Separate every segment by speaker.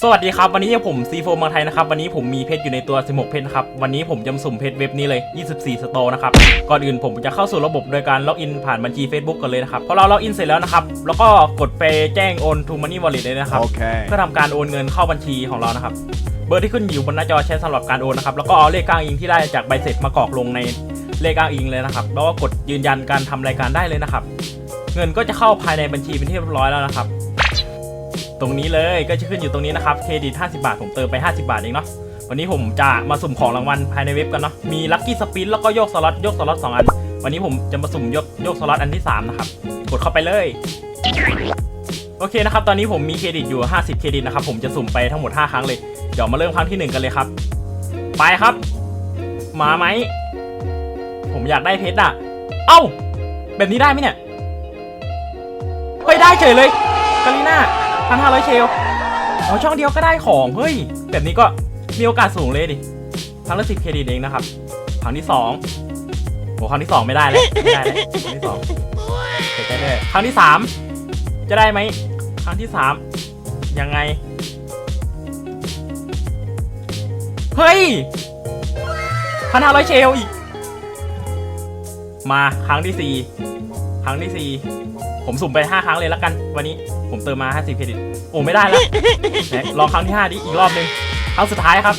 Speaker 1: สวัสดีครับวันนี้ผมซีโฟมาไทยนะครับวันนี้ผมมีเพชรอยู่ในตัว16เพชรครับวันนี้ผมจะสุ่มเพชรเว็บนี้เลย24สโตร์นะครับก่อนอื่นผมจะเข้าสู่ระบบโดยการล็อกอินผ่านบัญชี Facebook ก่อนเลยนะครับพอเราล็อกอินเสร็จแล้วนะครับแล้วก็กดไปแจ้งโอน to Money Wallet เลยนะครับ เพื่อทำการโอนเงินเข้าบัญชีของเรานะครับเบอร์ที่ขึ้นอยู่บนหน้าจอใช้สำหรับการโอนนะครับแล้วก็เอาเลขอ้างอิงที่ได้จากใบเสร็จมากรอกลงในเลขอ้างอิงเลยนะครับแล้วก็กดยืนยันการทำรายการได้เลยนะครับเงินก็จะเข้าภายในบัญชีเป็นที่เรียบร้อยแล้วนะครับตรงนี้เลยก็จะขึ้นอยู่ตรงนี้นะครับเครดิต50 บาทผมเติมไป50 บาทเองเนาะวันนี้ผมจะมาสุ่มของรางวัลภายในเว็บกันเนาะมีลัคกี้สปินแล้วก็โยกสล็อต2 อันวันนี้ผมจะมาสุ่มโยกสล็อตอันที่3นะครับกดเข้าไปเลยโอเคนะครับตอนนี้ผมมีเครดิตอยู่50เครดิตนะครับผมจะสุ่มไปทั้งหมด5ครั้งเลยเดี๋ยวมาเริ่มครั้งที่1กันเลยครับไปครับมาไหมผมอยากได้เพชรอ่ะเอ้าแบบนี้ได้ไหมเนี่ยเฮ้ยได้เฉยเลยกาลิน่า1,500 เชลเอาช่องเดียวก็ได้ของเฮ้ยแบบนี้ก็มีโอกาสสูงเลยดิครั้งละ10เครดิตเองนะครับครั้งที่2โหครั้งที่2ไม่ได้แล้วครั้งที่2เสียใจด้วยครั้งที่3จะได้ไหมครั้งที่3ยังไงเฮ้ย1,500 เชลอีกมาครั้งที่4ผมสุ่มไป5ครั้งเลยแล้วกันวันนี้ผมเติมมา50เครดิตโอ้ไม่ได้แล้วลองครั้งที่5ดิอีกรอบนึงครั้งสุดท้ายครับ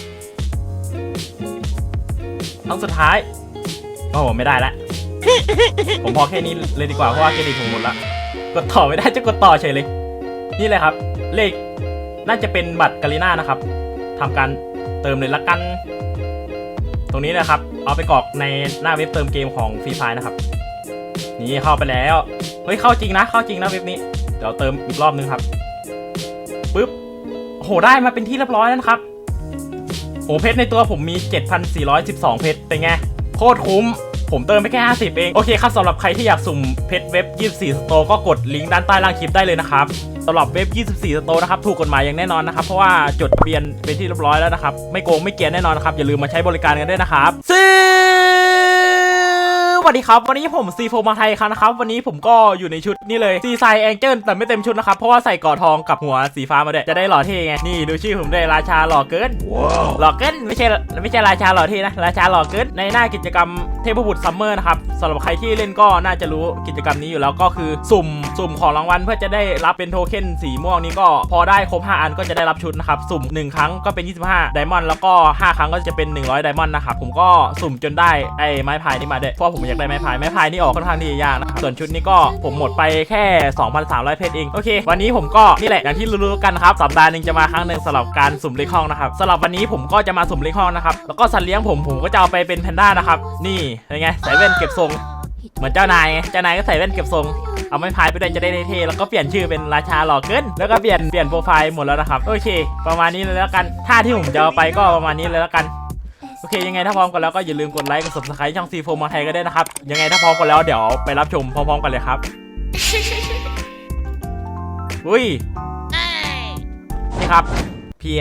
Speaker 1: ครั้งสุดท้ายโอ้ไม่ได้แล้วผมพอแค่นี้เลยดีกว่าเพราะว่าเครดิตผมหมดละกดต่อไม่ได้จะกดต่อเฉยเลยนี่เลยครับเลขน่าจะเป็นบัตรกาลิน่านะครับทำการเติมเลยละกันตรงนี้นะครับเอาไปกรอกในหน้าเว็บเติมเกมของฟรีไฟนะครับนี่เข้าไปแล้วเฮ้ยเข้าจริงนะเว็บนี้เดี๋ยวเติมอีกรอบนึงครับปึ๊บโหได้มาเป็นที่เรียบร้อยแล้วนะครับโหเพชรในตัวผมมี 7,412 เพชรเป็นไงโคตรคุ้มผมเติมไปแค่50เองโอเคครับสำหรับใครที่อยากสุ่มเพชรเว็บ24สโตร์ก็กดลิงก์ด้านใต้ล่างคลิปได้เลยนะครับสำหรับเว็บ24สโตร์นะครับถูกกฎหมายอย่างแน่นอนนะครับเพราะว่าจดทะเบียนเป็นที่เรียบร้อยแล้วนะครับไม่โกงไม่เกลียนแน่นอนนะครับอย่าลืมมาใช้บริการกันด้วยนะครับสวัสดีครับวันนี้ผมซีโฟมาไทยครับนะครับวันนี้ผมก็อยู่ในชุดนี่เลยซีไซแองเจิลแต่ไม่เต็มชุดนะครับเพราะว่าใส่ก่อทองกับหัวสีฟ้ามาด้วยจะได้หล่อเท่ไงนี่ดูชื่อผมด้วยราชาหล่อเกิน หล่อเกินไม่ใช่ราชาหล่อเท่นะราชาหล่อเกินในหน้ากิจกรรมเทพบุตรซัมเมอร์นะครับสำหรับใครที่เล่นก็น่าจะรู้กิจกรรมนี้อยู่แล้วก็คือสุ่มของรางวัลเพื่อจะได้รับเป็นโทเค็นสีม่วงนี้ก็พอได้ครบ5อันก็จะได้รับชุดนะครับสุ่ม1ครั้งก็เป็น25ไดมอนด์แล้วก็5ครั้งก็จะเป็น100ไดมอนด์นะครับผมก็สุ่มจนได้ไอ้ไม้พายนี่มาด้วยเพราะผมอยากได้ไม้พายนี่ออกค่อนข้างที่จะยากนะครับส่วนชุดนี้ก็ผมหมดไปแค่ 2,300 เพชรเองโอเควันนี้ผมก็นี่แหละอย่างที่รู้ๆกันครับสัปดาห์นึงจะมาครั้งนึงสำหรับการสุ่มเลขห้องนะครับสำหรับวันนี้ผมก็จะมาสุ่มเลขห้องนะครับแล้วก็สัตว์เลี้ยงผมก็จะเอาไปเป็นแพนด้านะครับนี่เป็นไงใส่แว่นเก็บทรงเหมือนเจ้านายก็ใส่แว่นเก็บทรงเอาไม้พายไปด้วยจะได้เท่แล้วก็เปลี่ยนชื่อเป็นราชาหล่อเกินแล้วก็เปลี่ยนโปรไฟล์หมดแล้วนะครับโอเคประมาณนี้เลยแล้วกันท่าที่ผมจะเอาไปก็ประมาณนี้เลยแล้วกันโอเคยังไงถ้าพร้อมกันแล้วก็อย่าลืมกดไลค์กด Subscribe ช่องซีโฟมาไทยก็ได้นะครับยังไงถ้าพร้อมกันแล้วเดี๋ยวไปรับชมพร้อมๆกันเลยครับอุ้ยนี่ครับพี่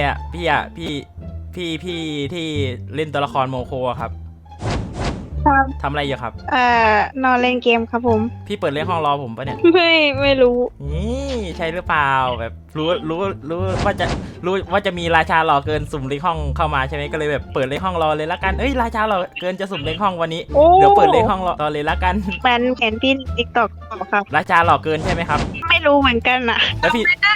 Speaker 1: ที่เล่นตัวละครโมโคครับทำอะไรอยู่ครับ
Speaker 2: นอนเล่นเกมครับผม
Speaker 1: พี่เปิดเล่นห้องรอผมปะเนี่ย
Speaker 2: ไม่รู้
Speaker 1: นี่ใช่หรือเปล่าแบบรู้ว่าจะมีราชาหล่อเกินสุ่มเลขห้องเข้ามาใช่ไหมก็เลยแบบเปิดเลขห้องรอเลยละกันราชาหล่อเกินจะสุ่มเลขห้องวันนี้เดี๋ยวเปิดเลขห้องรอเลยละกัน
Speaker 2: แฟนพี่ติ๊กต็อกครับ
Speaker 1: ราชาหล่อเกินใช่ไหมครับ
Speaker 2: ไม่รู้เหมือนกันอ่ะ
Speaker 1: แล้ว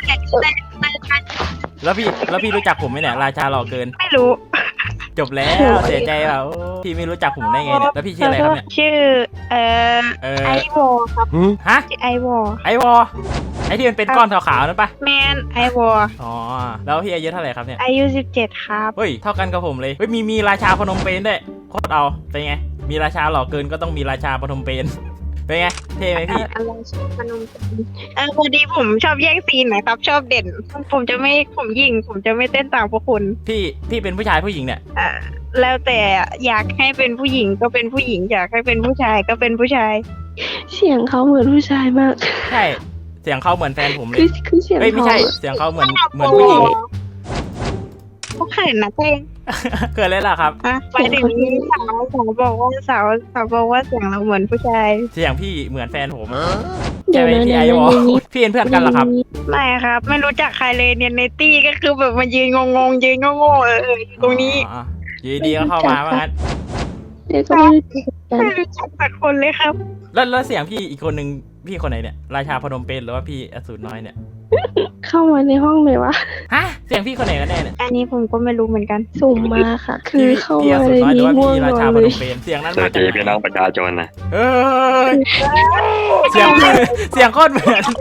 Speaker 1: พี่รู้จักผมไหมเนี่ยราชาหล่อเกิน
Speaker 2: ไม่รู้
Speaker 1: จบแล้วเสียใจเปล่าพี่ไม่รู้จักผมได้ไงเนี่ยแล้วพี่ชื่ออะไรครับเนี่ย
Speaker 2: ชื่อไอวอครับ
Speaker 1: ฮะ
Speaker 2: ไอวอ
Speaker 1: ไอที่มันเป็นก้อนขาวๆนั่นปะ
Speaker 2: แมนไอวอ
Speaker 1: อ๋อแล้วพี่อายุเท่าไหร่ครับเนี่ย
Speaker 2: อายุ17ครับ
Speaker 1: เฮ้ยเท่ากันกับผมเลยเฮ้ยมีราชาพนมเปญด้วยโคตรเอาเป็นไงมีราชาหล่อเกินก็ต้องมีราชาพนมเปญเป็นไงเท่ไหมพี่
Speaker 2: อะไรพนมเปญพอดีผมชอบแย่งซีนนะครับชอบเด่นผมจะไม่เต้นตามพวกคุณ
Speaker 1: พี่เป็นผู้ชายผู้หญิงเนี่ย
Speaker 2: แล้วแต่อยากให้เป็นผู้หญิงก็เป็นผู้หญิงอยากให้เป็นผู้ชายก็เป็นผู้ชาย
Speaker 3: เสียงเขาเหมือนผู้ชายมาก
Speaker 1: ใช่เสียงเขาเหมือนแฟนผมเลย
Speaker 3: คือเสียง
Speaker 1: ไม่ใช่เสียงเขาเหมือนผู้หญิง
Speaker 2: เขาเขินนะเต้
Speaker 1: เกิดเลยล่ะครับ
Speaker 2: อ่ะไปถึงสาวบอกว่าสาวบอกว่าเสียงเราเหมือนผู้ชาย
Speaker 1: เสียงพี่เหมือนแฟนผม
Speaker 3: เดี๋
Speaker 1: ใช่
Speaker 3: ยว
Speaker 1: ไหม
Speaker 3: นะ
Speaker 1: พี่
Speaker 3: เดี๋
Speaker 1: ไอ
Speaker 3: ยว
Speaker 1: วอ
Speaker 3: นะ
Speaker 1: พี่เป็นเพื่อนกันเหรอครับ
Speaker 2: ไม่ครับ ไม่รู้จักใครเลยเนี่ยในตี้ก็คือแบบมายืนงงๆยืนโง่ๆอยู่ตรงนี้
Speaker 1: อ๋ออยู่ดีๆก็เข้ามาว่างั้น
Speaker 3: เดี๋ยวก็ไม่รู้จักกัน
Speaker 2: ไม่รู้จักสักคนเลยครับ
Speaker 1: แล้วเสียงพี่อีกคนนึงพี่คนไหนเนี่ยราชาพนมเปญหรือว่าพี่อสูรน้อยเนี่ย
Speaker 3: เข้ามาในห้องเลยวะ
Speaker 1: ฮะเสียงพี่คนไหนกันแน่เนี่ย
Speaker 2: อันนี้ผมก็ไม่รู้เหมือนกัน
Speaker 3: สุ่มมาค่ะ คือเข้า
Speaker 1: พี่อ
Speaker 3: มา
Speaker 1: สู
Speaker 3: ใน
Speaker 1: รน้อยหรือ
Speaker 3: นี้
Speaker 1: ว่า
Speaker 3: ง่วง
Speaker 1: พี่
Speaker 3: น
Speaker 1: รา
Speaker 3: อ
Speaker 1: ชาน พ
Speaker 3: เล
Speaker 1: น
Speaker 3: ย
Speaker 1: มเปญเสียงนั้น
Speaker 4: สวั
Speaker 1: มา
Speaker 4: ส
Speaker 1: จาก
Speaker 4: ดี
Speaker 1: ไหน
Speaker 4: พี่น้องประชาชนนะ
Speaker 1: เอ้ยเสียงเสียงโคตรเหมือน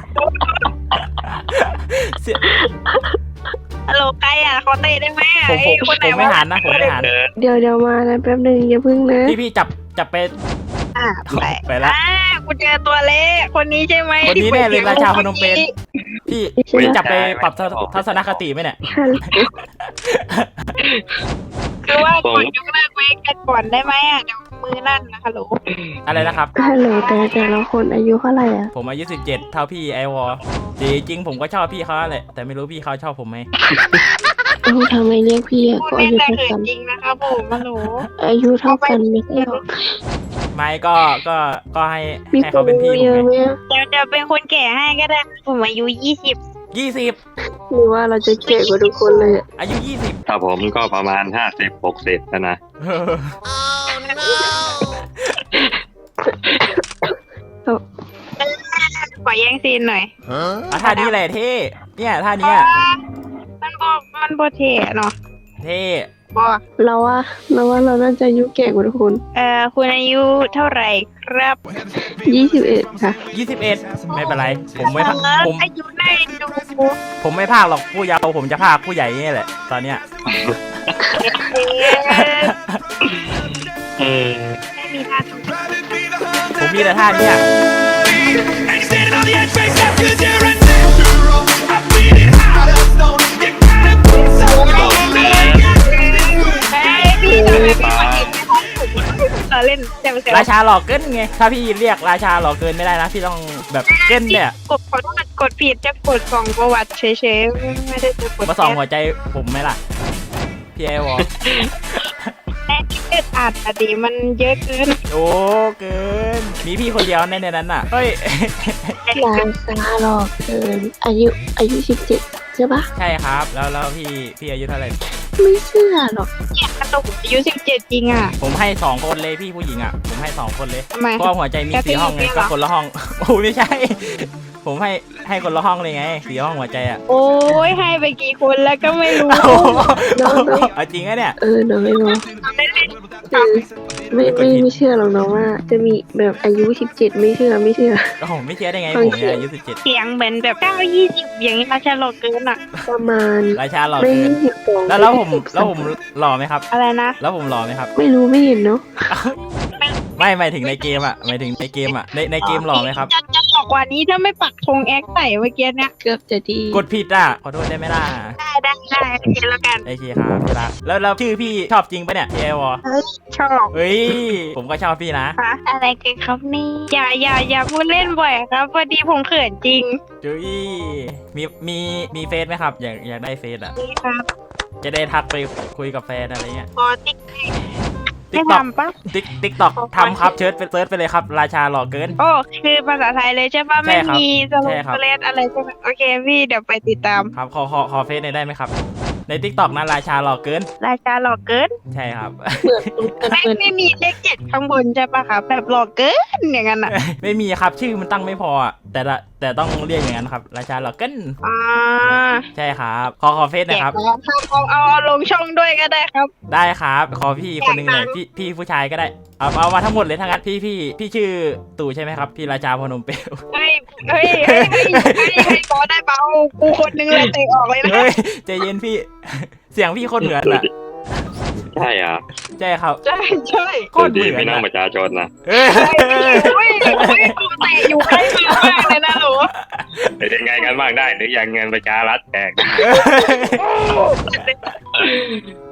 Speaker 1: เสียง
Speaker 2: ฮัลโหลใครอ่ะขอเตะได้ไหมอ่ะ
Speaker 1: ผม
Speaker 2: ไอ้คนไหน
Speaker 1: ไม่
Speaker 2: วะ
Speaker 1: หันนะผมไม่หัน
Speaker 3: เดี๋ยวมานะแป๊บนึงอย่าพึ่งนะ
Speaker 1: พี่จับไป
Speaker 2: อ่ะไป
Speaker 1: ไปละ
Speaker 2: กูเจอตัวเล็กคนนี้ใช่ไหม
Speaker 1: คนนี้แน่เลยราชาพนมเปญ พี่
Speaker 3: ใช่ไหม
Speaker 1: จับไปปรับทัศนคติไหมเนี่ย
Speaker 3: ฮัลโหล
Speaker 2: คือว่ากดยกเลิกไว้กันก่อนได้ไหมอ่ะเดี๋ยวมือลั่นนะฮัลโหล
Speaker 1: อะไรนะครับ
Speaker 3: ฮัลโหลแต่ละคนอายุเท่าไหร่อ่ะ
Speaker 1: ผมอายุ17เท่าพี่ไอวอจริงผมก็ชอบพี่เขาแหละแต่ไม่รู้พี่เขาชอบผมไหม
Speaker 3: เอ้าทำไมเรียกพี่อะ
Speaker 2: พูด
Speaker 3: ก็อา
Speaker 2: เล่น
Speaker 3: ยุ
Speaker 2: แต่
Speaker 3: เท่า
Speaker 2: เขิน
Speaker 3: กัน
Speaker 2: จริงนะครับผมฮัลโหล
Speaker 3: อายุเท่ากันไม่ใช่หรอ
Speaker 1: ไม่ก็ให้
Speaker 3: มี
Speaker 1: ให้
Speaker 3: ค
Speaker 1: เขา
Speaker 3: น
Speaker 1: เป็นพี่
Speaker 3: เย
Speaker 1: ผม
Speaker 3: อะไหม
Speaker 1: ไง
Speaker 3: อะ
Speaker 2: เดี๋ยวเป็นคนแก่ให้ก็ได้ผมอายุ
Speaker 1: 20
Speaker 3: หรือว่าเราจะแก่กว่าทุกคนเลยอะ
Speaker 1: อายุ20
Speaker 4: ถ้าผมก็ประมาณ50-60แล้วนะ
Speaker 1: เออ
Speaker 2: ขอแย่งซีนหน่อย
Speaker 1: ท่านี้แหละเท่เนี่ยท่าเนี้ย
Speaker 2: มันโบเทเนาะ
Speaker 1: เท่
Speaker 2: บอก
Speaker 3: เราว่าเราน่าจะอายุแก่กว่าทุกคน
Speaker 2: คุณอายุเท่าไหร่ครับ
Speaker 3: 21ค่ะ
Speaker 1: 21ไม่เป็นไรผมไม่พาผม
Speaker 2: อายุได้ดู
Speaker 1: ผมไม่พากหรอกผู้เยาว์ผมจะพากผู้ใหญ่นี่แหละตอนเนี้ย
Speaker 2: ไม่มีท่าทาง
Speaker 1: ผมมีแต่ท่าเนี้ย
Speaker 5: Ain't standing on the edge, face up, 'cause you're a natural. I beat it out of stone. You gotta be so cold.
Speaker 2: เล่นแต่ไม่ใช่
Speaker 1: ราชาหลอกเกินไงถ้าพี่เรียกราชาหลอกเกินไม่ได้นะพี่ต้องแบบเกินเนี่ย
Speaker 2: กดขอโทษกดผิดจะกดส่องประวัติเฉยๆไม่ได้จะกด
Speaker 1: มาส่องหัวใจผมไหมล่ะพี่ไอวอล
Speaker 2: แน่ที่เอ็ดอัดอะดีมันเยอะเกิน
Speaker 1: โอ้เกินมีพี่คนเดียวในนั้นน่ะเฮ้ย
Speaker 3: ราคาหรอกเกินอายุ17ใช่ปะ
Speaker 1: ใช่ครับแล้วพี่อายุเท่าไหร่
Speaker 3: ไม่เชื่อหรอก
Speaker 2: เนี่ยกระตุกอายุ17จริงอ่ะ
Speaker 1: ผมให้2คนเลยพี่ผู้หญิงอ่ะผมให้2คนเลย
Speaker 2: ทำไม
Speaker 1: เพราะว่าหัวใจมี4ห้องไงก็คนละห้องโอ้ไม่ใช่ ผมให้คนละห้องเลยไง4ห้องหัวใจอ่ะ
Speaker 2: โอ้ยให้ไปกี่คนแล้วก็ไม่รู้
Speaker 1: โอ้โหเอาจริงอะเนี่ย
Speaker 3: น้องไม่รู้
Speaker 2: เล่น
Speaker 3: ไม่เชื่อหรอกน้องว่า จะมีแบบอายุ17ไม่เชื่อ
Speaker 1: โอ้โหไม่เชื่อได้ไงผมเนี่ยอายุ17
Speaker 2: เสียงเหมือนแบบ9-20อย่างนี้มาชะลอเกินอ่ะ
Speaker 3: ประมาณ
Speaker 1: ราชาหล่อ
Speaker 3: ไม่
Speaker 1: เกิน
Speaker 3: 22
Speaker 1: แล้วผมหล่อไหมครับ
Speaker 2: อะไรนะ
Speaker 1: แล้วผมหล่อไหมครับ
Speaker 3: ไม่รู้ไม่เห็นเนาะ
Speaker 1: ไม่หมายถึงในเกมอ่ะหมายถึงในเกมอ่ะในเกมหล่อไหมครับ
Speaker 2: จะบอกกว่านี้ถ้าไม่ปักธงแอคใส่เมื่อกี้เนี่ย
Speaker 3: เกือบจะดี
Speaker 1: กดผิดอ่ะขอโทษได้ไหมล่ะ
Speaker 2: ได้โอเคแล้วกัน
Speaker 1: โอเคครับพี่รักแล้วชื่อพี่ชอบจริงปะเนี่ยพี่ไอวอล
Speaker 2: ชอบ
Speaker 1: เฮ้ยผมก็ชอบพี่นะ
Speaker 2: คะอะไรกันครับนี่อย่าพูดเล่นบ่อยครับพอดีผมเขินจริง
Speaker 1: จุ้ยมีเฟซไหมครับอยากได้เฟซอ่ะ
Speaker 2: นี่ครับ
Speaker 1: จะได้ทักไปคุยกับแฟนอะไรเงี้ย
Speaker 2: พอติ๊ก
Speaker 1: ติ๊
Speaker 2: ไม่
Speaker 1: กต็อก
Speaker 2: ทำปะ
Speaker 1: ติ๊กต็อกทำครับเซิร์ชไปเลยครับราชาหล่อเกิน
Speaker 2: โอ้คือภาษาไทยเลยใช่ปะ
Speaker 1: ใช่
Speaker 2: ไม่
Speaker 1: ครับ
Speaker 2: มีสโล
Speaker 1: ใช่ครับ
Speaker 2: เลสอะไรใช่ไหมโอเคพี่เดี๋ยวไปติดตาม
Speaker 1: ครับขอเฟซหน่อยได้ไหมครับ ในติ๊กต็อกนะราชาหล่อเกิน
Speaker 2: ราชาหลอกเกิน
Speaker 1: ใช่ครับ
Speaker 2: ไม่มีเลข7ข้างบนใช่ปะครับแบบหลอกเกินอย่างนั้นอ่ะ
Speaker 1: ไม่มีครับชื่อมันตั้งไม่พออ่ะแต่ต้องเรียกอย่างนั้นครับราชาหล่อเกิน
Speaker 2: อ่า
Speaker 1: ใช่ครับขอเฟซห
Speaker 2: แจ
Speaker 1: นะ
Speaker 2: ก
Speaker 1: ครับ
Speaker 2: แล้วครับเอาลงช่องด้วยก็ได้ครับ
Speaker 1: ได้ครับขอพี่คนหนึ่งหน่อยพี่ผู้ชายก็ได้เอามาทั้งหมดเลยทั้งนั้นพี่ชื่อตู่ใช่ไหมครับพี่ราชาพนมเปญ
Speaker 2: เฮ้ยขอได้เปล่ากูคนนึงเลยเตะออกเลยนะ
Speaker 1: เฮ้ยใจเย็นพี่ เสียงพี่โคตรเหมือนอ่ะ
Speaker 4: ใช่อ่ะ
Speaker 1: ใช่ครับ
Speaker 2: ใช่
Speaker 1: โค
Speaker 4: สวั
Speaker 1: ต
Speaker 4: ส
Speaker 1: ร
Speaker 4: ดี
Speaker 1: เหมือน
Speaker 4: พี่น้อง
Speaker 1: อะ
Speaker 4: ประชาชนนะ
Speaker 1: เอ้ย
Speaker 2: กูเตะอยู่ใกล้มากเลยนะหนู
Speaker 4: เป็นไงกันบ้างได้หรือยังเงินประชารัฐแจก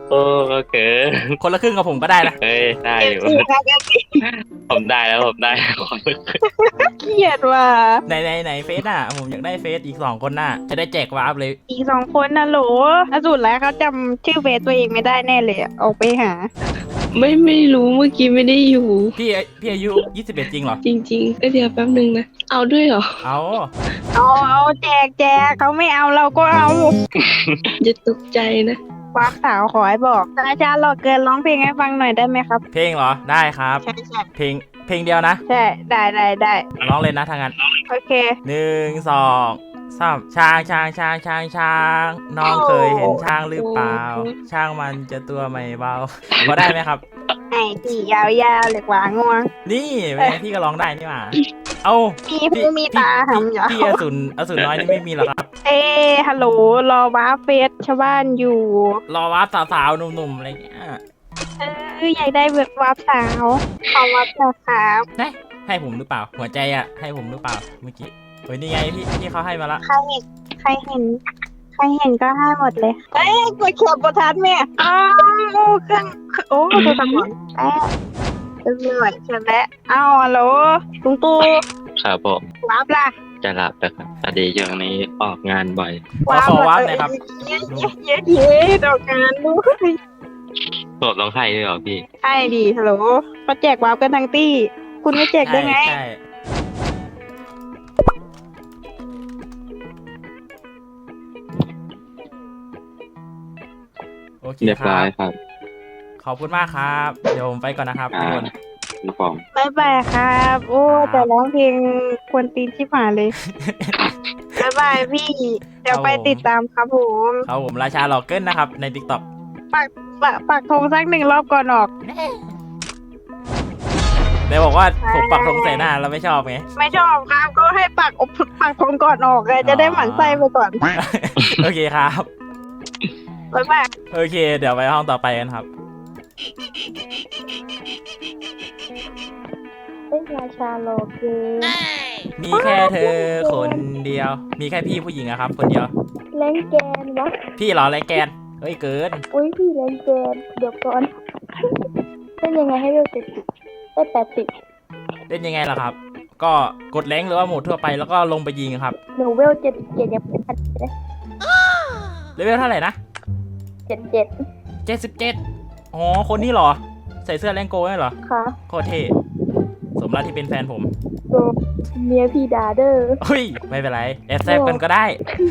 Speaker 4: โอ้ก็เกิน
Speaker 1: คนละครึ่งกับผมก็ได้นะ
Speaker 4: เฮ้ยได้
Speaker 2: เอ
Speaker 4: อ
Speaker 2: ฟ
Speaker 4: ยู่
Speaker 2: ซีครับเอฟซี
Speaker 4: ผมได้แล้วผมได้
Speaker 2: เกลียดว่ะ
Speaker 1: ไหนเฟซอ่ะผมอยากได้เฟซอีก2 คนน่ะจะได้แจกวาร์ปเลย
Speaker 2: อีก2 คนนะโหลล่าสุดแล้วเขาจำชื่อเฟซตัวเองไม่ได้แน่เลยอะออกไปหา
Speaker 3: ไม่รู้เมื่อกี้ไม่ได้อยู่
Speaker 1: พี่อายุ21จริงเหรอ
Speaker 3: จริงๆเดี๋ยวแป๊บนึงนะ เอาด้วยเหรอ
Speaker 1: เอา
Speaker 2: เอาแจกเขาไม่เอาเราก็เอา
Speaker 3: จะตกใจนะ
Speaker 2: วากสาวขอให้บอกอาจารย์หลอกเกินร้องเพลงให้ฟังหน่อยได้ไหมครับ
Speaker 1: เพลงเหรอได้ครับ
Speaker 2: ใช่ใช่
Speaker 1: เพลงเดียวนะ
Speaker 2: ใช่ได้
Speaker 1: ร้องเลยนะทางนั้น
Speaker 2: โอเค
Speaker 1: 1 2 3ช้างน้องเคยเห็นช้างหรือเปล่า ช้างมันจะตัวไม่เบาพอได้ไหมครับ
Speaker 2: ไอ้ที่ยาวๆเลยกว่าง่วง
Speaker 1: นี่แม่พี่ก็ร้องได้นี่หว่าเอา
Speaker 2: มีหูมีตาหำยาว
Speaker 1: พี่อสูรน้อยนี่ไม่มีหรอครับ
Speaker 2: ฮัลโหลรอว้าเฟสชาวบ้านอยู่
Speaker 1: รอว่าสาวๆหนุ่มๆอะไรเงี้ย
Speaker 2: อยากได้แบบวาบสาวขอวาบสาวครับ
Speaker 1: ให้ผมหรือเปล่า หัวใจอ่ะให้ผมหรือเปล่าเมื่อกี้เฮ้ยนี่ไงพี่เขาให้มาละ
Speaker 2: ใครเห็นก็ให้หมดเลยกดเขียบบทัดแม่อ้าวเครื่องโอ้ตัวสมองเรียบร้อยเสร็จแล้วอ้าวฮัลโหลลุงตู่
Speaker 4: ครับผม
Speaker 2: วาบล่ะ
Speaker 4: จะหลับแต่ครับพอดีช่วงนี้ออกงานบ่อย
Speaker 1: ขอวาร์ปหน่อยครับ
Speaker 2: เย้ดอกงานด้วย
Speaker 4: ผมต้องให้ด้วยเหรอพี่
Speaker 2: ใช่ดีฮัลโหลก็แจกวาบกันทั้งตี้ คุณไม่แจกได้ไง
Speaker 1: ใช่โอเค
Speaker 4: เรียบ
Speaker 1: ค
Speaker 4: ร้
Speaker 1: รั
Speaker 4: อบ ยครับ
Speaker 1: ขอบคุณมากครับ เดี๋ยวผมไปก่อนนะครับทุกคน
Speaker 4: คุณผม
Speaker 2: บ๊ายบายครับ โอ้
Speaker 1: ครับ
Speaker 2: แต่ร้องเพลงควรตีนชิบหายเลย บ๊ายบายพี่ เดี๋ยวไปติดตามครับผม
Speaker 1: ครับผมราชาหลอกเกินนะครับใน TikTok
Speaker 2: ปักธงสัก1 รอบก่อนออก
Speaker 1: ได้บอกว่าผมปักธงใส่หน้าแล้วไม่ชอบไง
Speaker 2: ไม่ชอบครับก็ให้ปักธงก่อนออกเลยจะได้หมั่นไส้ไปก่อน
Speaker 1: โอเคครับ
Speaker 2: บ๊ายบาย
Speaker 1: โอเค เดี๋ยวไปห้องต่อไปกันครับ
Speaker 3: เป็นราชาโลคือ
Speaker 1: มีแค่เธอคนเดียว มีแค่พี่ผู้หญิงอะครับ คนเดียว
Speaker 3: แรงแกนวะ
Speaker 1: พี่เหรอไรแกนเฮ้ยเกิน
Speaker 3: อุ้ยพี่แรงแกนเดี๋ยวก่อนเป็นยังไงให้เร็ว70ได้80
Speaker 1: เล่นยังไงล่ะครับ ก็กดแรงค์หรือว่าโหมดทั่วไปแล้วก็ลงไปยิงครับ
Speaker 3: หนูเวล77ยังไม่ทันเลย
Speaker 1: เลเวลเท่าไหร่นะ
Speaker 3: 77
Speaker 1: 77อ๋อ คนนี้เหรอ ใส่เสื้อแรงโก้ไหมเหรอ
Speaker 3: ค่ะ
Speaker 1: โคตรเท่สมแล้วที่เป็นแฟนผม
Speaker 3: ตัวเมียพี่ดาเดอร์
Speaker 1: เฮ้ย ไม่เป็นไร แอบแซบกันก็ได้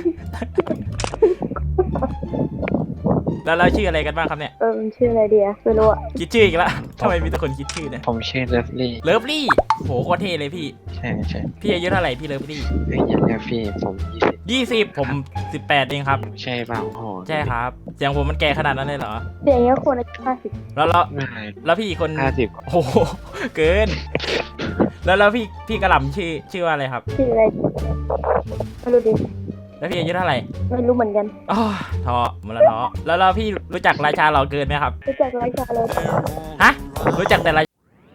Speaker 1: แล้วเราชื่ออะไรกันบ้างครับเนี่ย
Speaker 3: ชื่ออะไรเดียไม่รู้อะ
Speaker 1: คิดชื่ออีกแล้วทำไมมีแต่คนคิดชื่อเนี่ย
Speaker 6: ผมชื่อเลิฟลี่
Speaker 1: เลิฟลี่โหโคตรเท่เลยพี่
Speaker 6: ใช่ใช่
Speaker 1: พี่อายุเท่าไหร่พี่เลิฟลี่
Speaker 6: เฮ้ยอย่าเรียกพี่ผม
Speaker 1: 20
Speaker 6: 20
Speaker 1: ผม18เองครับ
Speaker 6: ใช่เปล่าโอ้โห
Speaker 1: ใช่ครับเสียงผมมันแก่ขนาดนั้นเลยเหรอ
Speaker 3: เดี๋ยวนี้คนอายุ50
Speaker 6: ไม่
Speaker 1: แล้วพี่อีกคน
Speaker 6: 50
Speaker 1: โอ้โหเกิน แล้วพี่กระหล่ำชื่อว่าอะไรครับ
Speaker 3: ชื่ออะไรไม่รู้ดิ
Speaker 1: แล้วพี่อายุเท่าไหร่
Speaker 3: ไม่รู้เหมือนกัน
Speaker 1: อ๋อท้อหมดแล้วท้อแล้วพี่รู้จักราชาเหล่าเกินไหมครับ
Speaker 3: รู้จักราชาเลย
Speaker 1: ฮะรู้จักแต่รา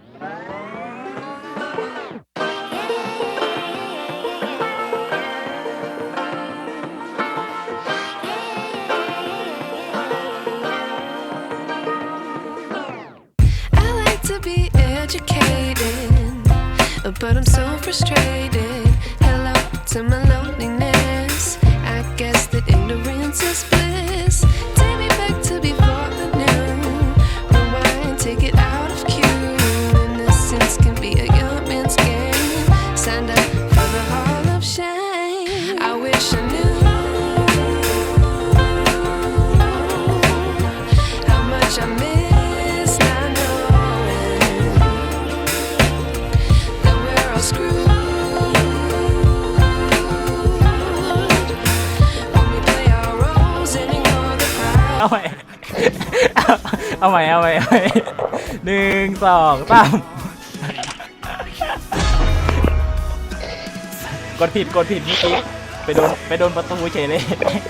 Speaker 7: I like to be educated, but I'm so frustrated. Hello to my loneliness. I guess that ignorance is bliss. Take me back to before I knew. Rewind, take it out of cue. Innocence can be a young man's game. Signed up for the hall of shame. I wish I knew how much I miss not knowing that we're all screwed when we play our roles and ignore the crowd.
Speaker 1: เอาใหม่ เอาใหม่1 2 3กดผิดเมื่อกี้ไปโดนประตูเฉยเลย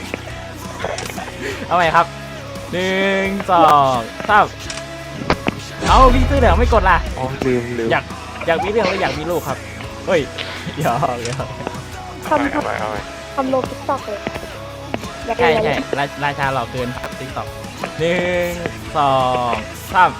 Speaker 1: เอาใหม่ครับ1 2 3เอาพี่ซื้อเหลืองไม่กดล่ะ
Speaker 6: อ๋อลืม
Speaker 1: อยากมีเรื่องหรืออยากมีลูกครับเฮ้ยหยอก
Speaker 3: ทำโลติ๊กต็อกเลย
Speaker 1: ท
Speaker 3: อยาก
Speaker 1: ใช่
Speaker 3: เล่นอะไร
Speaker 1: ใช่ราชาหล่อเกินครับติ๊กต็อก1 2 3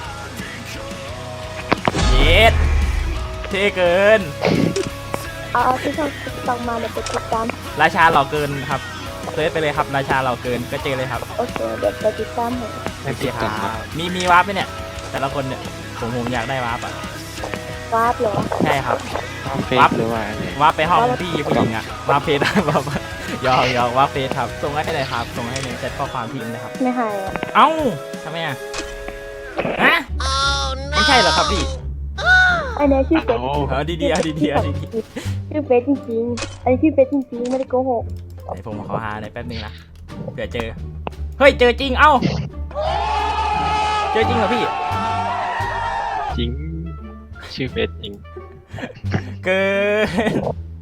Speaker 1: เย็ดเท่เกิน
Speaker 3: เอาที่ช่องติ๊กต็อกมาเดี๋ยวไปติดตาม
Speaker 1: ราชาหล่อเกินครับเซิร์ชไปเลยครับราชาหล่อเกินก็เจอเลยครับ
Speaker 3: โอเคเดี๋ยวไปติดตามให้
Speaker 1: โอเคครับมีวาร์ปไหมเนี่ยแต่ละคนเนี่ยผมอยากได้วาร์ปอ่ะ
Speaker 3: วาร์ปเหรอ
Speaker 1: ใช่ครับ
Speaker 6: เฟซ
Speaker 1: วับ
Speaker 6: หรือว่าอะไร
Speaker 1: วาร์ปไปห้องพี่ผู้หญิงอ่ะวาร์ปเฟซแบบยอกวาร์ปเฟซครับส่งให้เลยครับส่งให้ในแชทข้อความพิมพ์นะครับ
Speaker 3: ไม่ให้อ่ะ
Speaker 1: เอ้าทำไมอ่ะฮะไม่ใช่เหรอครับพี่
Speaker 3: อันนี้ชื่อเฟซ
Speaker 1: เอาดีๆเอาดีๆเอาดี
Speaker 3: ชื่อเฟซจริงๆอันนี้ชื่อเฟซจริงๆไม่ได้โกหก
Speaker 1: ๆเดี๋ยวผมขอหาหน่อยแป๊บนึงนะเผื่อเจอเฮ้ยเจอจริงเอ้าเจอจริงเหรอพี่
Speaker 6: จริง ชื่อเฟซจริง
Speaker 1: เกิน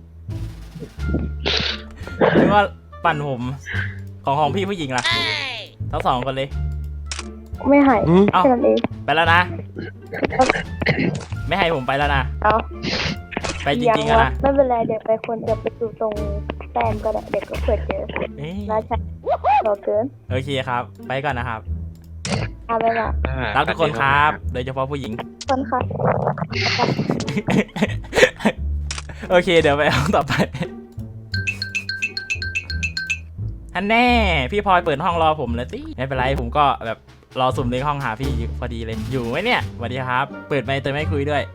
Speaker 1: หรือว่าปั่นผมของพี่ผู้หญิงล่ะทั้งสองคนเลย
Speaker 3: ไม่ให้
Speaker 1: เอ้า
Speaker 3: แค่นั้นเอง
Speaker 1: ไปแล้วนะ ไม่ให้ผมไปแล้วนะ
Speaker 3: เอา
Speaker 1: ไปจริงๆอะนะ
Speaker 3: ไม่เป็นไรเดี๋ยวไปคนเดี๋ยวไปสู่ตรงแฟนก็ได้เด็กก็เปิดเจอ
Speaker 1: เอ้ย
Speaker 3: ราชาเราเกิน
Speaker 1: โอเคครับ ไปก่อนนะครับ
Speaker 3: เอาไปละ
Speaker 1: รักทุกคนครับ โดยเฉพาะผู้หญิง
Speaker 3: คนค่ะ
Speaker 1: โอเค เดี๋ยวไปห้องต่อไปฮันแน่ พี่พลอยเปิดห้องรอผมเลยสิไม่เป็นไรผมก็แบบรอสุ่มในห้องหาพี่อยู่พอดีเลย อยู่ไหมเนี่ยสวัสดีครับ เปิดไมค์แต่ไม่คุยด้วย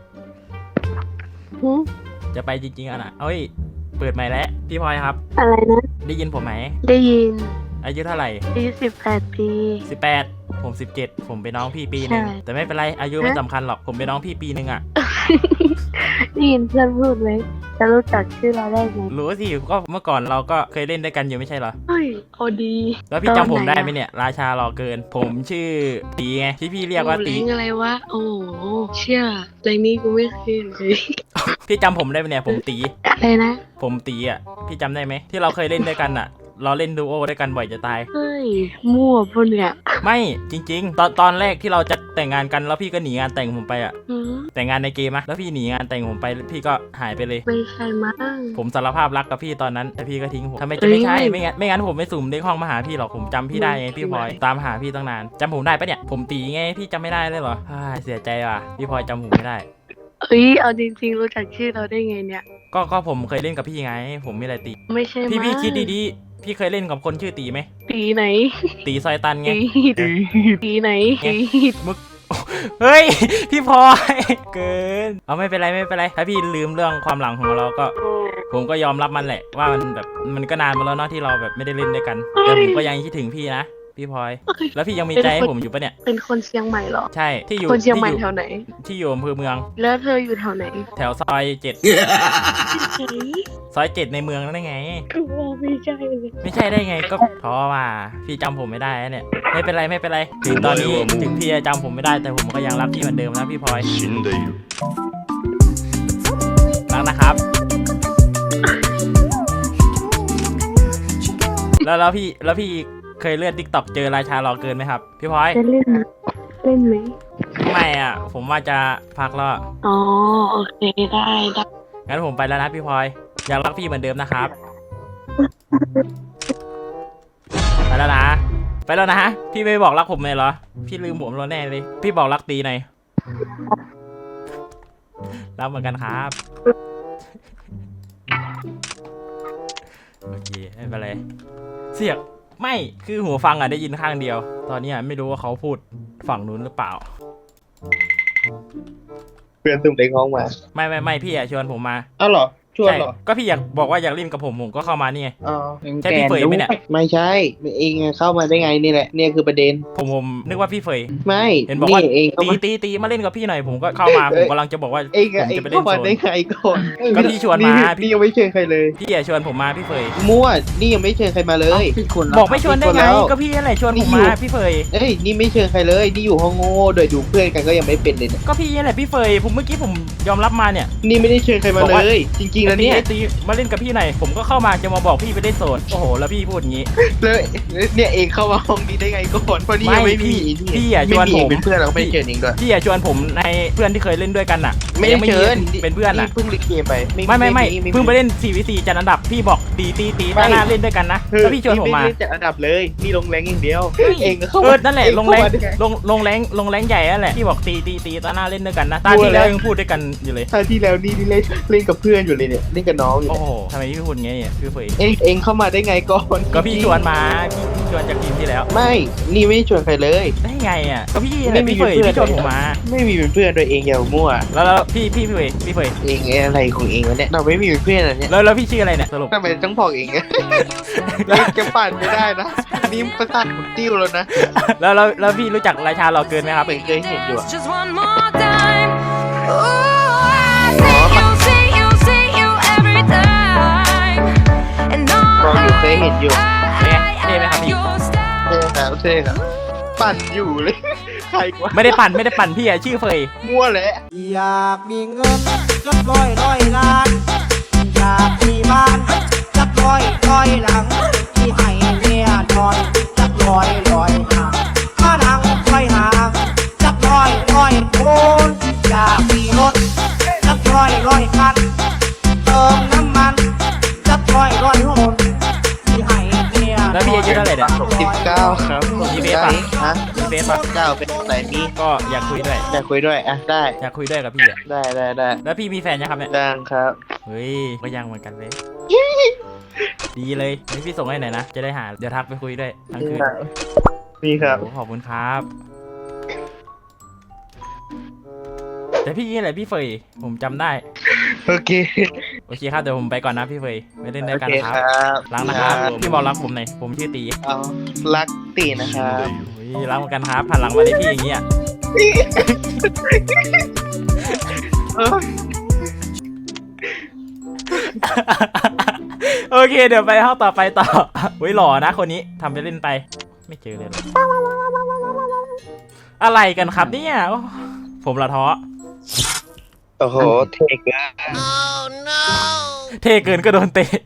Speaker 1: จะไปจริงๆอ่ะนะเอ้ย เปิดไมค์แล้ว พี่พลอยครับ
Speaker 2: อะไรนะ
Speaker 1: ได้ยินผมไหม
Speaker 2: ได้ยิน
Speaker 1: อายุเท่าไหร่
Speaker 2: อายุ18 ปี
Speaker 1: 18 ผม17ผมเป็นน้องพี่ปีหนึ่ง
Speaker 2: ใช่
Speaker 1: แต่ไม่เป็นไรอายุไม่สำคัญหรอกผมเป็นน้องพี่ปีหนึ่งอ่ะ
Speaker 2: ได้ยินเพื่อนพูดไหมจะรู้จักชื่อเราได้ไง
Speaker 1: รู้สิก็เมื่อก่อนเราก็เคยเล่นด้วยกันอยู่ไม่ใช่เหรอ
Speaker 2: เฮ้ยเอาดี
Speaker 1: แล้วพี่จำผมได้ไหมเนี่ย ราชารอเกิน ผมชื่อตีไงที่พี่เรียกว่าตี
Speaker 8: โอ้เล้งอะไรวะ โอ้โหเชื่อเล้งนี้กูไม่เคยเลย
Speaker 1: พี่จำผมได้ไหมเนี่ยผมตี
Speaker 2: อะไรนะ
Speaker 1: ผมตีอ่ะพี่จำได้ไหมที่เราเคยเล่นด้วยกันอ่ะ เราเล่นดูโอด้วยกันบ่อยจะตาย
Speaker 2: เฮ้ย มั่วปะเนี่ย
Speaker 1: ไม่จริง ๆ ตอนแรกที่เราจะแต่งงานกันแล้วพี่ก็หนีงานแต่งผมไปอ่ะ
Speaker 2: หือ
Speaker 1: แต่งงานในเกมอะแล้วพี่หนีงานแต่งผมไปพี่ก็หายไปเลย
Speaker 2: ไม่ใช่มั้ง
Speaker 1: ผมสารภาพรักกับพี่ตอนนั้นแต่พี่ก็ทิ้งผมทำไมจะไม่ใช่
Speaker 2: เอ้ย
Speaker 1: ไม่งั้นผมไม่สุ่มเลขห้องมาหาพี่หรอกผมจำพี่ได้ไงพี่พลอยตามหาพี่ตั้งนานจำผมได้ปะเนี่ยผมตีไงพี่จำไม่ได้เลยเหรออ้ายเสียใจว่ะพี่พลอยจำผมไม่ได้
Speaker 2: เอ้ย เอาจริงๆ รู้จักชื่อเราได้ไงเนี่ย
Speaker 1: ก็ผมเคยเล่นกับพี่ไง ผมไม่ได้ตี
Speaker 2: ไม่ใช่มั้ง
Speaker 1: พี่คิดดีๆพี่เคยเล่นกับคนชื่อตีไหม
Speaker 2: ตีไหน
Speaker 1: ตีซอยตันไง
Speaker 2: ตีไหน ตี
Speaker 1: เฮ้ย พี่พลอยเกินเอาไม่เป็นไรถ้าพี่ลืมเรื่องความหลังของเราก็ ผมก็ยอมรับมันแหละว่ามันแบบมันก็นานมาแล้วเนาะที่เราแบบไม่ได้เล่นด้วยกันแต่ผมก็ยังคิดถึงพี่นะพี่พลอย แล้วพี่ยังมีใจให้ผมอยู่ปะเนี่ย
Speaker 2: เป็นคนเชียงใหม่เหรอ
Speaker 1: ใช่ที่อยู่
Speaker 2: คนเชียงใหม่
Speaker 1: ที่อ
Speaker 2: แถวไหน
Speaker 1: ที่อยู่อำเภอเมือง
Speaker 2: แล้วเธออยู่แถวไหน
Speaker 1: แถวซอย7
Speaker 2: ใช่
Speaker 1: ซอย7ในเมืองนั่นได้ไง
Speaker 2: กูว่าไม่ใช่เลย
Speaker 1: ไม่ใช่ได้ไงก็ท้อว่าพี่จำผมไม่ได้นะเนี่ยไม่เป็นไรถึงตอนนี้ถึงพี่จะจำผมไม่ได้แต่ผมก็ยังรักพี่เหมือนเดิมนะพี่พลอยรักนะครับ แล้วพี่เคยเลื่อน TikTok เจอราชารอเกินไหมครับพี่พลอย
Speaker 2: จะเล่นไหมเล่นไหม
Speaker 1: ไม่อ่ะผมว่าจะพักแล้ว
Speaker 2: อ๋อ โอเค ได้ได้
Speaker 1: งั้นผมไปแล้วนะพี่พลอยยังรักพี่เหมือนเดิมนะครับไปแล้วนะพี่ไม่บอกรักผมเลยเหรอพี่ลืมผมแล้วแน่เลยพี่บอกรักตีหน่อยรักเหมือนกันครับโอเคไม่เป็นไรเสียงไม่คือหูฟังอ่ะได้ยินข้างเดียว ตอนนี้อ่ะไม่รู้ว่าเขาพูดฝั่งนู้นหรือเปล่า
Speaker 9: เพื่อนตุ้มเล็กห้องมา
Speaker 1: ไม่พี่อ่ะชวนผมมา
Speaker 9: อ้าวเหรอ ชวนเหรอ
Speaker 1: ใช่ก็พี่อยากบอกว่าอยากเล่นกับผมก็เข้ามานี่ไง
Speaker 9: อ๋อ
Speaker 1: ใช่พี่เฟยไหมเนี่ย
Speaker 9: ไม่ใช่เองเข้ามาได้ไงนี่แหละ เนี่ยคือประเด็น
Speaker 1: ผมนึกว่าพี่เฟย
Speaker 9: ไม่
Speaker 1: เห็นบอกว่า
Speaker 9: เองเข้ามา
Speaker 1: ตีมาเล่นกับพี่หน่อยผมก็เข้ามาผมกำลังจะบอกว่า
Speaker 9: เอง
Speaker 1: ผม
Speaker 9: เอง
Speaker 1: จะไปเล่
Speaker 9: เข้าน มา
Speaker 1: โซ
Speaker 9: ได้
Speaker 1: น
Speaker 9: ไงก่อน
Speaker 1: ก็พี่ชวนมาพี่
Speaker 9: นี่ยังไม่เชิญใครเลย
Speaker 1: พี่อ่ะชวนผมมาพี่เฟย
Speaker 9: มั่ว นี่ยังไม่เชิญใครมาเลย
Speaker 1: บอกไม่ชวนได้ไง
Speaker 9: แล้ว
Speaker 1: ก็พี่นั่นแหละชวนผมมาพี่เฟย
Speaker 9: เอ้ย นี่ไม่เชิญใครเลย นี่อยู่ห้องโง่โดยดูเพื่อนกันก็ยังไม่เป็นเลยเนี่ย
Speaker 1: ก็พี่นั่นแหละพี่เฟยผมเมื่อกี้ผมยอมรับมาเนี่ย
Speaker 9: นี่ไม่ได้เชิญใครมา
Speaker 1: บอก
Speaker 9: เล
Speaker 1: ว่า
Speaker 9: ย จริงแล้วเนี่ย
Speaker 1: ตีมาเล่นกับพี่หน่อยผมก็เข้ามาจะมาบอกพี่ไปเล่นโสดโอ้โหแล้วพี่พูดอย่างงี้
Speaker 9: แล้วเนี่ยเองเข้ามาห้องนี้ได้ไงก่อนเพราะนี่ยังไม่มี
Speaker 1: พี่อย่าชวนผม
Speaker 9: เป็นเพื่อนเราไม่เชิญเองด้วย
Speaker 1: พี่อย่าชวนผมในเพื่อนที่เคยเล่นด้วยกันน่ะ
Speaker 9: ไม่ได้
Speaker 1: ยัง
Speaker 9: เชิญ
Speaker 1: เป็นเพื่อนน่ะ
Speaker 9: เพิ่งลิเกมไป
Speaker 1: ไม่เพิ่งไปเล่น 4v4 จัดอันดับพี่บอกตีหน้าเล่นด้วยกันนะแล้วพี่ชวนผมมา
Speaker 9: ไได้จัดอันดับเลยนี่ลงแรงอย่างเดียวเองก็เข้า
Speaker 1: นั่นแหละลงแรงใหญ่นั่นแหละพี่บอกตีตาหน้าเล่นด้วยกันนะตาที่แล้วยังพูดด้วยกันอยู่เลย
Speaker 9: ท่าที่แล้วนี่เล่นกับเพื่อนอยู่เลยเนี่ยเล่นกับน้องอยู่
Speaker 1: โอ้โหทำไมพี่พูดงี้เนี่ยพี่เฟย
Speaker 9: เองเข้ามาได้ไงก่อน
Speaker 1: ก็พี่ชวนมาพี่ชวนจากทีมที่แล้ว
Speaker 9: ไม่นี่ไม่ได้ชวนใครเลย
Speaker 1: ได้ไงอ่ะก็พี่อะไรพี่เฟยพี่ชวนผมมา
Speaker 9: ไม่มีเป็นเพื่อนด้วยเองอย่ามั่ว
Speaker 1: แล้วพี่เฟย
Speaker 9: เองอะไรของเองวะเนี่ยเราไม่มีเป็นเพื่อนอะไรเนี่ย
Speaker 1: แล้วพี่ชื่ออะไรเนี่ยสรุป
Speaker 9: ทำไมต้องบอกเองอะจะปั่นไม่ได้นะนี่ประสาทผมติ้วแล้วนะ
Speaker 1: แล้วพี่รู้จักราชาหล่อเกินไหมครับ
Speaker 9: เหมือนเคยเห็นอยู่อะ
Speaker 7: Just one more time. Ooh, I see you every time. And
Speaker 9: มองอยู่เคยเห็นอยู่
Speaker 1: เท่ไหมครับพี่
Speaker 9: เท่ครับปั่นอยู่เลย ใครกว่า
Speaker 1: ไม่ได้ปั่นพี่อะชื่อเฟย
Speaker 9: มั่วแหละ
Speaker 10: อยากมีเงินสักร้อยล้าน อยากมีบ้านสักร้อยหลัง ที่ให้เมียนอนสักร้อยหางมานั่งคอยหางสักร้อยคนอยากมีรถสักร้อยคันเติมน้ำมันสักร้อยหนที่ให้เมีย
Speaker 1: แล้วพี่อายุเท่าไหร่เนี่ย
Speaker 9: 19ครับ
Speaker 1: มีเฟซปะ
Speaker 9: ฮะ
Speaker 1: มีเฟซปะ
Speaker 9: 9เป็นไหนมี
Speaker 1: ก็อยากคุยด้วย
Speaker 9: อยากคุยด้วยอ่ะได้
Speaker 1: อยากคุยด้วยกับพี่อะ
Speaker 9: ได้
Speaker 1: แล้วพี่มีแฟนยังครับเนี่ย
Speaker 9: ดังครับ
Speaker 1: เฮ้ยก็ยังเหมือนกันเลย ดีเลยนี่พี่ส่งให้หน่อยนะ จะได้หา เดี๋ยวทักไปคุยด้วยทั้งคืน
Speaker 9: มีครับ
Speaker 1: โอ้ขอบคุณครับ แต่พี่นี่แหละพี่เฟยผมจำได้
Speaker 9: โอเค
Speaker 1: โอเคครับเดี๋ยวผมไปก่อนนะพี่เฟยไปเล่นด้วยกัน
Speaker 9: โอเค
Speaker 1: ค
Speaker 9: ครับ รับ
Speaker 1: รักนะครับพี่บอกรักผมหน่อยผมชื่อตี
Speaker 9: เอารักตีนะครับ
Speaker 1: โอ้ยรักเหมือนกันครับหันหลังมาได้พี่อย่างเงี้ย โอเคเดี๋ยวไปห้องต่อไปต่อเฮ้ยหล่อนะคนนี้ทำไปเล่นไป ไม่เจอเลยหรออะไรกันครับเนี่ยโอ้ผมละท้อ
Speaker 9: โอ้โหเทกอะ
Speaker 1: เท่เกินก็โดนเตะ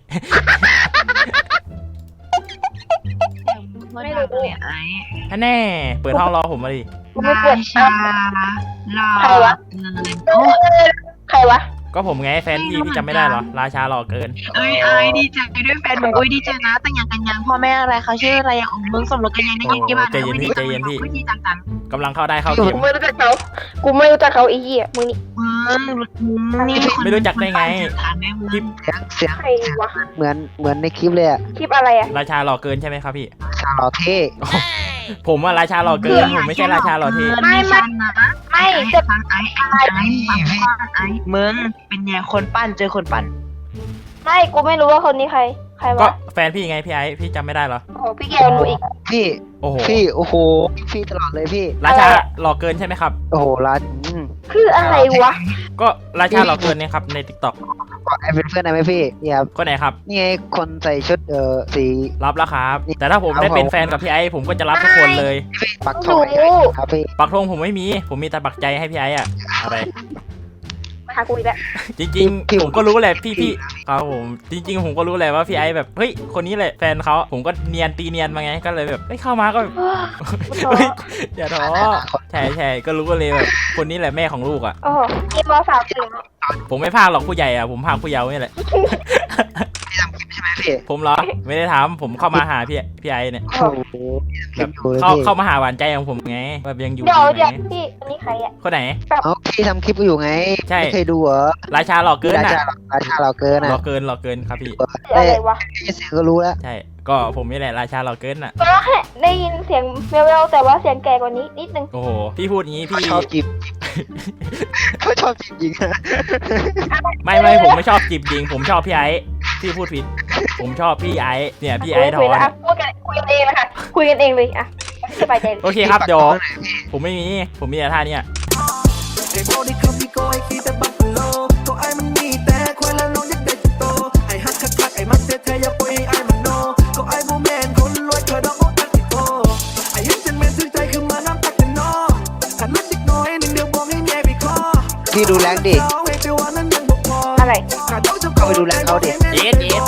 Speaker 2: ไม่รู้เลยไอ้
Speaker 1: แน่เปิดห้องรอผมมาดิ
Speaker 2: กูไม่เปิดชาลาใครวะใครวะ
Speaker 1: ก็ผมไงแฟนพี่จำไม่ได้เหรอราชาหล่อเกิน
Speaker 8: เอ้ยดีใจด้วยแฟนมึงอุ้ยดีใจนะแต่งงานกันยังพ่อแม่อะไรเขาชื่ออะไรอย่างของมึงสมรสกันยังได้ยินกี่บาท
Speaker 1: ใจเย็นพี่ใจเย็นพี่
Speaker 8: วิธีต่าง
Speaker 1: กำลังเข้าได้เข้าเกม
Speaker 2: กูไม่รู้จักเขาไอ้เหี้ยมึงนี่
Speaker 8: ๆมึงนี่
Speaker 1: ไม่รู้จักได้ไง
Speaker 8: คลิป
Speaker 10: เสียง
Speaker 2: ใครวะ
Speaker 10: เหมือนในคลิปเลยอะ
Speaker 2: คลิปอะไรอ่ะ
Speaker 1: ราชาหล่อเกินใช่ไหมครับพี่
Speaker 10: ชาวหล่อเท่
Speaker 1: ผมว่าราชาหล่อเกินผมไม่ใช่ราชาหล่อเท่
Speaker 2: ไม่จะ
Speaker 8: ฟังไอ้มึงเป็นไงคนปั้นเจอคนปั้น
Speaker 2: ไม่กูไม่รู้ว่าคนนี้ใคร
Speaker 1: ก็
Speaker 2: วะ
Speaker 1: แฟนพี่ไงพี่ไอ้พี่จำไม่ได้เหรอ
Speaker 2: โอ้โหพี่เกลหนูอีก
Speaker 10: พี่
Speaker 1: โอ้โห
Speaker 10: โอ้โหพี่ตลอดเลยพี่
Speaker 1: ราชาหล่อเกินใช่ไหมครับ
Speaker 10: โอ้โหร้าน
Speaker 2: คืออะไรวะ
Speaker 1: ก็ราชาหล่อเกินเนี่ยครับใน TikTok
Speaker 10: กดไอเป็นเพื่อนได้ไหมพี่เนี่ยครับ
Speaker 1: คนไหนครับ
Speaker 10: นี่ไงคนใส่ชุดสี
Speaker 1: รับแล้วครับ แต่ถ้าผมได้เป็นแฟนกับพี่ไอ้ผมก็จะรับทุกคนเลย
Speaker 10: ปักทองครับพี่
Speaker 1: ปักธงผมไม่มี ผมมีแต่ปักใจให้พี่ไอ้อะอะไร
Speaker 2: มาหากูอีกแล้ว
Speaker 1: จริงๆผมก็รู้แหละพี่ครับผมจริงๆผมก็รู้แหละว่าพี่ไอ้แบบเฮ้ยคนนี้แหละแฟนเขาผมก็เนียนตีเนียนมาไงก็เลยแบบเฮ้ยเข้ามาก็แบบเฮ้ยอย่าท้อใช่ก็รู้ก็เลยแบบคนนี้แหละแม่ของลูกอ่ะ
Speaker 2: โอ้โหเกมมสามถึง
Speaker 1: ผมไม่พากหรอกผู้ใหญ่อ่ะผมพากผู้เยาว์นี่แหละ
Speaker 10: พี่ทำคลิปใช่ไหมพี่
Speaker 1: ผมเหรอไม่ได้ถามผมเข้ามาหาพี่ไอ้เนี่ย
Speaker 10: โอ้โห
Speaker 1: แบบเข้ามาหาหวานใจของผมไงแบบยังอยู่
Speaker 2: เดี๋ยว
Speaker 1: ไหม
Speaker 2: พี่อันนี้ใครอ่ะ
Speaker 1: คนไหน
Speaker 10: เอาพี่ทำคลิปอยู่ไง
Speaker 1: ใช่
Speaker 10: ไม่เคยดูเหรอ
Speaker 1: ราชาหล่อเกิน
Speaker 10: รา
Speaker 1: อ่ะ
Speaker 10: ชาหล่อเกิน
Speaker 1: หล่
Speaker 10: อ่ะ
Speaker 1: อเกินครับพี่
Speaker 2: อะไรวะ
Speaker 10: เสียงก็รู้แล้ว
Speaker 1: ใช่ก็ผมนี่แหละราชาหล่อเกินอ่ะ
Speaker 2: ก็แค่ได้ยินเสียงแววๆแต่ว่าเสียงแก่กว่านี้นิดนึง
Speaker 1: โอ้โหพี่พูดงี้พี่
Speaker 10: ชอบจีบเขาชอบจีบหญิงอะ
Speaker 1: ไม่ผมไม่ชอบจีบยิงผมชอบพี่ไอ้พี่พูดผิด ผมชอบพี่ไอ้เนี่ยพี่ไอ้ทอ
Speaker 2: คุย
Speaker 1: น
Speaker 2: แล้วคุยกันเองนะคะคุยกันเองเลยอ่ะสบายใจเลย
Speaker 1: โอเคครับเดี๋ยวผมไม่มีผมมีแต่ท่าเนี่ย
Speaker 10: พี่ดูแรงดิ
Speaker 2: อะไร
Speaker 3: อะไร
Speaker 10: เข้าไปดูแลเขาดิ
Speaker 1: เย็ด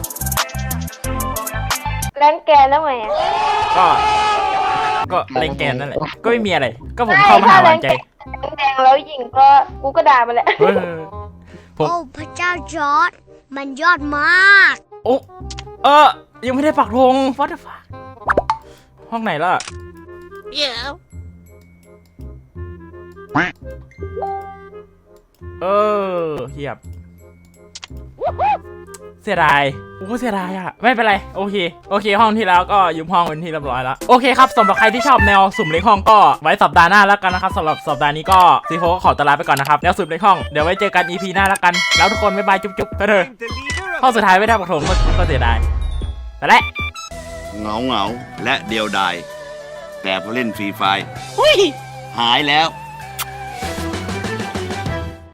Speaker 3: แลนแกนแล้วไงอ่ะ
Speaker 1: ก็เล่นแกนนั่นแหละก็ไม่มีอะไร ก็ผมเข้ามาหาหวานใจ
Speaker 3: แดงแล้วหญิงก็กูก็ด่ามันแหละ
Speaker 1: เฮ้ยผม
Speaker 11: โอ้พระเจ้าจอร์ดมันยอดมาก
Speaker 1: โอ้ยังไม่ได้ปักธง what the fuck ห้องไหนล่ะเฮียบเสียดายเสียดายอะไม่เป็นไรโอเคห้องที่แล้วก็ยืมห้องเป็นที่เรียบร้อยแล้วโอเคครับสำหรับใครที่ชอบแนวสุ่มเล็กห้องก็ไว้สัปดาห์หน้าแล้วกันนะครับสำหรับสัปดาห์นี้ก็ซีโฟก็ขอตวลาไปก่อนนะครับแนวสุ่มเล็กห้องเดี๋ยวไว้เจอกัน EP หน้าแล้วกันแล้วทุกคนบ๊ายบายจุ๊บๆไปเถอะห้องสุดท้ายไม่ได้ปักธงก็เสียดายแต่แหละ
Speaker 12: เหงาและเดียวดายแต่พอเล่นฟรีไฟร์หายแล้ว